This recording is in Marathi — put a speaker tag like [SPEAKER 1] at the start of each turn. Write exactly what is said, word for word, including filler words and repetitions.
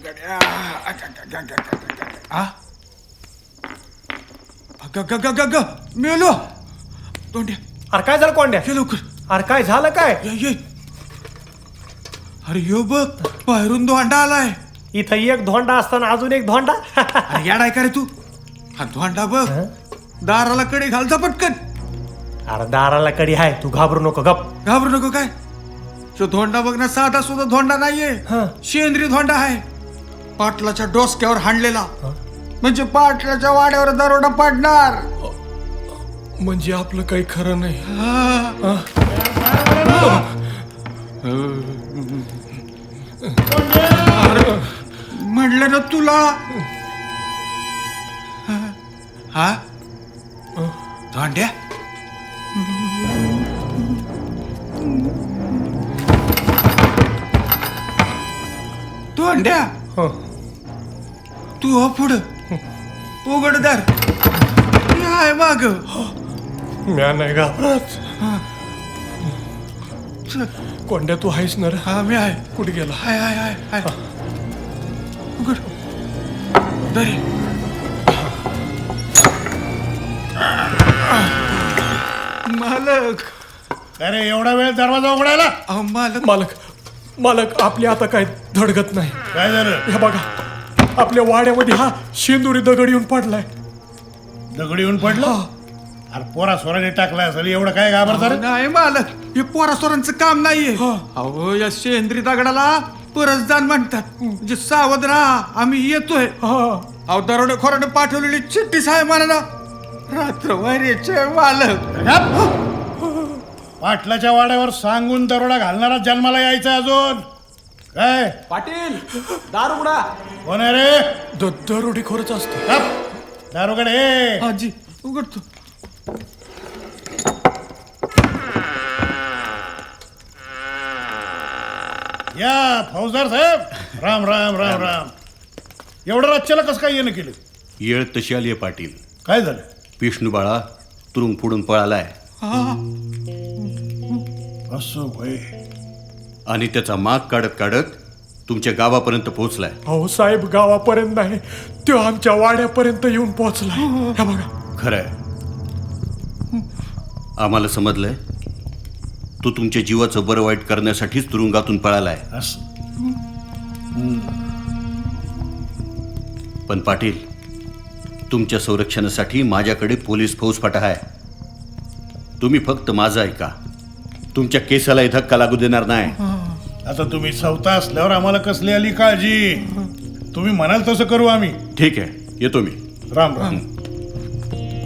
[SPEAKER 1] गड्या आ ग ग ग ग ग मेलो तोंड्या.
[SPEAKER 2] अरे काय झालं कोंड्या?
[SPEAKER 1] ये लवकर.
[SPEAKER 2] अरे काय झालं काय?
[SPEAKER 1] ये ये. अरे यो बघ बाहेरून धोंडा आलाय.
[SPEAKER 2] इथं एक धोंडा असताना अजून एक धोंडा.
[SPEAKER 1] अरे याडाय का रे तू? हा धोंडा बघ दाराला कडे घालता पटकन.
[SPEAKER 2] अरे दाराला कडी आहे, तू घाबरू नको, गप.
[SPEAKER 1] घाबरू नको काय? तो धोंडा बघ ना, साधा सुद्धा धोंडा नाहीये, शेंद्री धोंडा आहे. पाटलाच्या डोसक्यावर हाणलेला, म्हणजे पाटलाच्या वाड्यावर दरोडा पडणार.
[SPEAKER 2] म्हणजे आपलं काही खरं नाही.
[SPEAKER 1] म्हणलं ना तुला. हा धोंड्या धोंड्या तू हो पुढं उघडदार आहे माग.
[SPEAKER 2] म्या नाही घाबरत. कोंड्या तू आहेस ना रे?
[SPEAKER 1] हा मी आहे.
[SPEAKER 2] कुठे गेला?
[SPEAKER 1] हाय हाय हाय हाय उघड दरी. मालक.
[SPEAKER 3] अरे एवढा वेळ दरवाजा उघडायला?
[SPEAKER 1] अहो मालक.
[SPEAKER 2] मालक मालक आपली आता काय धडगत नाही.
[SPEAKER 3] काय झालं?
[SPEAKER 2] हे बघा, आपल्या वाड्यामध्ये हा शेंदुरी दगड येऊन पडलाय.
[SPEAKER 3] दगड येऊन पडलं? अरे पोरा सोराने टाकलाय असेल, एवढं काय घाबरता रे?
[SPEAKER 1] नाही मालक, हे पोरासोरांचं काम नाहीये. अहो या शेंद्री दगडाला परसदान म्हणतात. म्हणजे सावध राहा, आम्ही येतोय. अहो दरोडेखोराने पाठवलेली चिठ्ठीच आहे म्हणा. रात्र वैरेचे मालक.
[SPEAKER 3] पाटलाच्या वाड्यावर सांगून दरोडा घालणारा जन्माला यायचा अजून काय?
[SPEAKER 4] पाटील दार उघडा.
[SPEAKER 3] कोण आहे रे?
[SPEAKER 2] दरोडे खरंच असतो.
[SPEAKER 3] दारोगड हे.
[SPEAKER 1] आजी उघडतो.
[SPEAKER 3] या फौजदार साहेब, राम राम राम राम. एवढं राज्याला कसं काय येणं केलं?
[SPEAKER 5] येळ तशी आली आहे पाटील.
[SPEAKER 3] काय झालं?
[SPEAKER 5] विष्णू बाळा तुरुंग फोडून पळालाय
[SPEAKER 3] असं होय.
[SPEAKER 5] आणि त्याचा माग काढत काढत तुमच्या गावापर्यंत पोहोचलाय.
[SPEAKER 2] हो साहेब, गावापर्यंत नाही, तो आमच्या वाड्यापर्यंत येऊन पोहोचलाय. हे बघा.
[SPEAKER 5] खरंय, आम्हाला समजलंय तो तुमच्या जीवाचं बरं वाईट करण्यासाठीच तुरुंगातून पळालाय.
[SPEAKER 3] असं
[SPEAKER 5] पण पाटील, तुमच्या संरक्षणासाठी माझ्याकडे पोलीस फौजफाटा आहे. तुम्ही फक्त माझं ऐका. तुमच्या केसाला धक्का लागू देणार नाही.
[SPEAKER 3] आता तुम्ही सवता असल्यावर आम्हाला कसली आली काळजी? तुम्ही म्हणाल तसं करू आम्ही.
[SPEAKER 5] ठीक आहे, येतो मी.
[SPEAKER 3] राम राम.